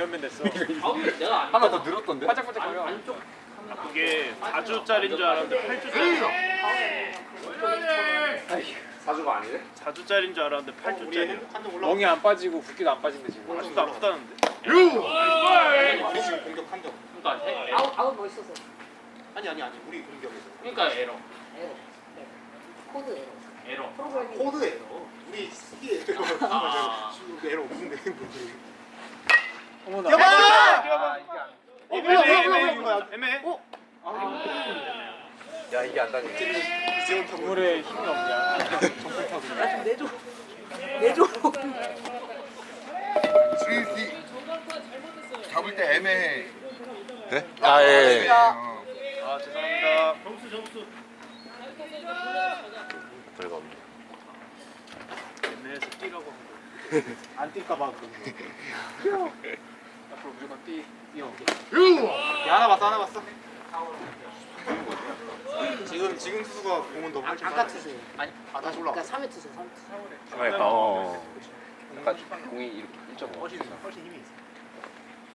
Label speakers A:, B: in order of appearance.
A: 몇면 됐어.
B: 하나 더 늘었던데?
A: 반짝반짝 거려.
C: 그게 4주짜리인 줄 알았는데 8주짜리.
B: 4주가 아니래?
C: 4주짜리인 줄 알았는데 8주짜리.
A: 멍이 안 빠지고 붓기도 안 빠진대 지금.
C: 아직도 아프다는데.
B: 우리 지금 공격 한 점.
D: 그러니까 아웃 멋있어서.
B: 아니 우리 공격에서.
D: 그러니까 에러. 코드 에러. 프로그래밍.
B: 코드 에러. 우리 스키 에러. 지금 에러 없는데.
A: 어머나.
B: 뛰어봐!
C: 애매해.
B: 야 이게 안 다니. 이재원 타고.
A: 물에 힘이 없냐.
B: 정품 타고.
D: 내줘.
E: 잡을 때 애매해.
B: 네?
E: 아 예.
C: 아 죄송합니다. 점수.
B: 별거 없네.
C: 애매해서 뛰라고 한 거.
A: 안 뛸까봐 그런 거. 앞으로 무조건 뛰어.
B: 야 하나 봤어. 지금 투수가 공은 너무 훨씬
D: 아까 투수.
B: 아니 다시 올라.
D: 그러니까 3회 투수.
B: 그러니까 약간 공이 이렇게 1.5. 훨씬 힘이 있어.